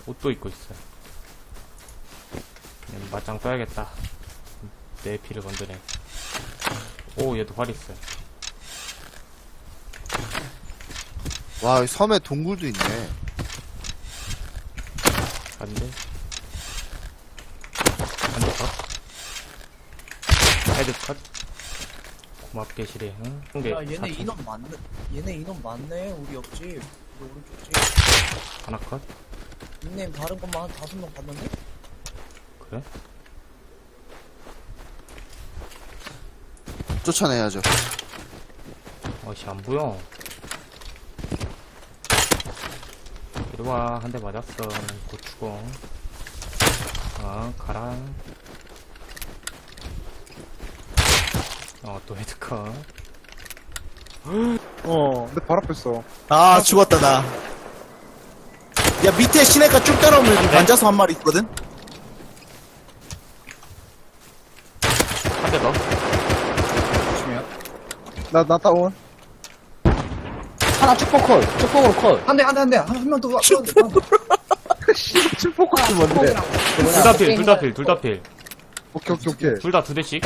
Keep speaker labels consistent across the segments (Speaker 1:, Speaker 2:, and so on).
Speaker 1: 옷도 입고 있어요. 맞짱 떠야겠다. 내 피를 건드네. 오, 얘도 활 있어요.
Speaker 2: 와, 이 섬에 동굴도 있네.
Speaker 1: 안 돼. 안 돼, 컷. 헤드 컷. 고맙게 실해, 응? 근데
Speaker 3: 야, 얘네 인원 많네. 얘네 인원 많네. 우리 옆집. 우리 오른쪽 집.
Speaker 1: 하나 컷.
Speaker 3: 닉네임 다른 것만 한 5명 봤는데?
Speaker 1: 그래?
Speaker 2: 쫓아내야죠.
Speaker 1: 어씨, 안 보여. 이리와, 한 대 맞았어. 곧 죽어. 가라. 또 헤드컷.
Speaker 4: 근데 바로 앞에 있어.
Speaker 5: 아, 죽었다, 나. 야, 밑에 시내가 쭉 따라오면
Speaker 1: 안 돼.
Speaker 5: 앉아서 한 마리 있거든?
Speaker 1: 한 대 더.
Speaker 4: 나 다운.
Speaker 6: 하나 축복콜, 축복으로 콜.
Speaker 3: 한 명 더.
Speaker 4: 칠포커스 뭔데?
Speaker 1: 둘 다 필, 둘 다 필, 둘 다 필.
Speaker 4: 오케이.
Speaker 1: 둘 다 두 대씩.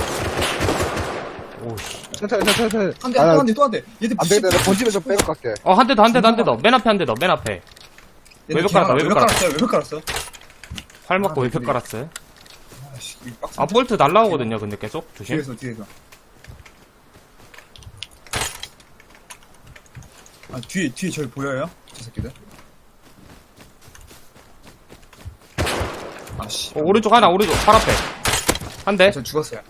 Speaker 1: 오씨.
Speaker 4: 천천히.
Speaker 3: 한 대, 또 한 대. 얘들
Speaker 4: 안 되겠다. 나 본집에 좀 빼고 갈게.
Speaker 1: 한 대 더, 한 대 더, 한 대 더. 맨 앞에 한 대 더, 맨 앞에. 외벽 깔았다, 외벽 깔았다.
Speaker 3: 외벽 깔았어.
Speaker 1: 활 먹고
Speaker 3: 아,
Speaker 1: 외벽
Speaker 3: 네.
Speaker 1: 깔았어요.
Speaker 3: 아씨, 이 빡센.
Speaker 1: 볼트 날라오거든요, 근데 계속. 조심.
Speaker 3: 뒤에서. 아, 뒤에 저기 보여요? 저 새끼들? 아씨.
Speaker 1: 오른쪽 하나, 오른쪽. 팔 앞에. 한 대.
Speaker 3: 저 죽었어요.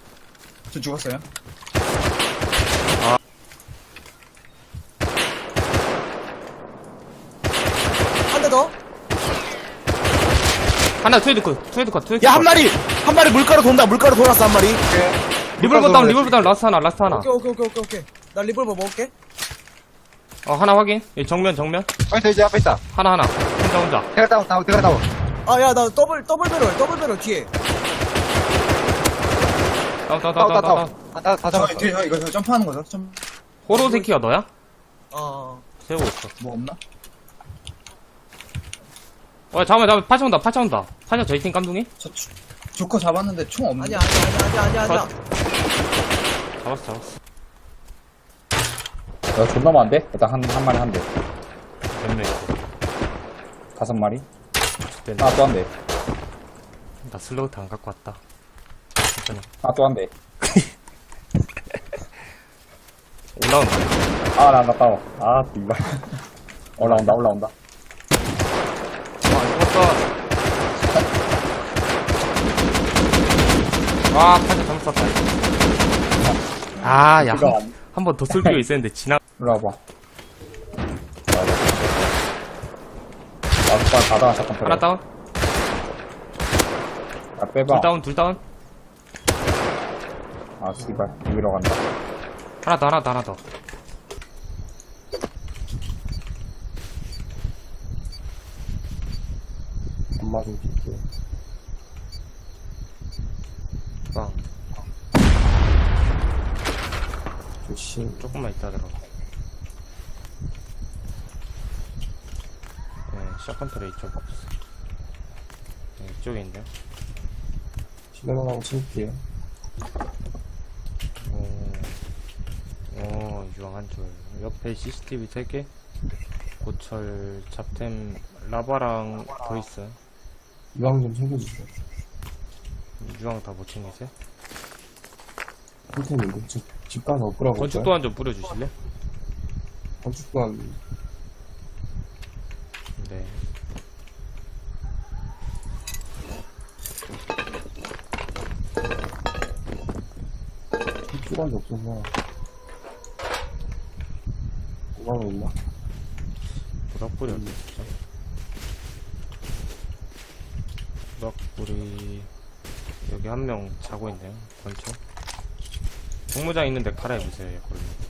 Speaker 3: 한 대 더?
Speaker 1: 하나 트웨드 컷.
Speaker 5: 야, 한 마리 물가로 돈다, 물가로 돌았어, 한 마리.
Speaker 1: 리볼버 다운, 라스트 하나.
Speaker 3: 오케이. 나 리볼버 먹을게.
Speaker 1: 하나 확인. 예, 정면.
Speaker 4: 파이터 이제 앞에 있다.
Speaker 1: 하나. 혼자.
Speaker 4: 대가 다운.
Speaker 3: 아, 야, 나 더블 배럴 뒤에.
Speaker 1: 다운.
Speaker 4: 다 잡았어.
Speaker 3: 뒤에, 이거 점프하는 거죠?
Speaker 1: 호로세키가 너야? 세우고 있어.
Speaker 3: 뭐 없나?
Speaker 1: 잠깐만. 파차 온다. 파차 저희 팀 깜둥이?
Speaker 3: 조커 잡았는데 총 없는데? 아니야.
Speaker 1: 잡았어.
Speaker 6: 야, 존나 많은데? 일단 한 마리 한 대.
Speaker 1: 몇 명 있어.
Speaker 6: 5마리?
Speaker 1: 됐네.
Speaker 6: 하나 또 한 대.
Speaker 1: 나 슬로우트 안 갖고 왔다. 괜찮아.
Speaker 6: 하나 또 한 대.
Speaker 1: 올라온다.
Speaker 6: 아, 나 따워. 아, 이발. 올라온다.
Speaker 1: 죽었어. 파차 잘못 쐈다. 야.
Speaker 6: 이거 안-
Speaker 1: 한 번 더 쏠 필요 있었는데,
Speaker 6: 이리 와봐. 나도 가다, 잠깐.
Speaker 1: 하나 다운?
Speaker 6: 야, 빼봐.
Speaker 1: 둘 다운?
Speaker 6: 아, 씨발. 여기로 간다.
Speaker 1: 하나 더.
Speaker 6: 한 마리 줄게.
Speaker 1: 빵.
Speaker 6: 조심.
Speaker 1: 조금만 있다 들어. 샷건트레 이쪽 없어. 이쪽에 있네.
Speaker 6: 실내만 칠게요.
Speaker 1: 유황 한 줄. 옆에 CCTV 3개. 고철, 잡템, 라바랑 더 있어요.
Speaker 6: 유황 좀 챙겨주세요.
Speaker 1: 유황 다 못 챙기세요?
Speaker 6: 선생님, 집 가서 뿌려볼까요?
Speaker 1: 건축 도안 좀 뿌려주실래?
Speaker 6: 건축 또한
Speaker 1: 네.
Speaker 6: 수박이 없어서. 뭐가 있나?
Speaker 1: 부락불이 어디 있죠? 부락불이 여기 한 명 자고 있네요. 건축. 정무장 있는데 갈아입으세요, 걸로.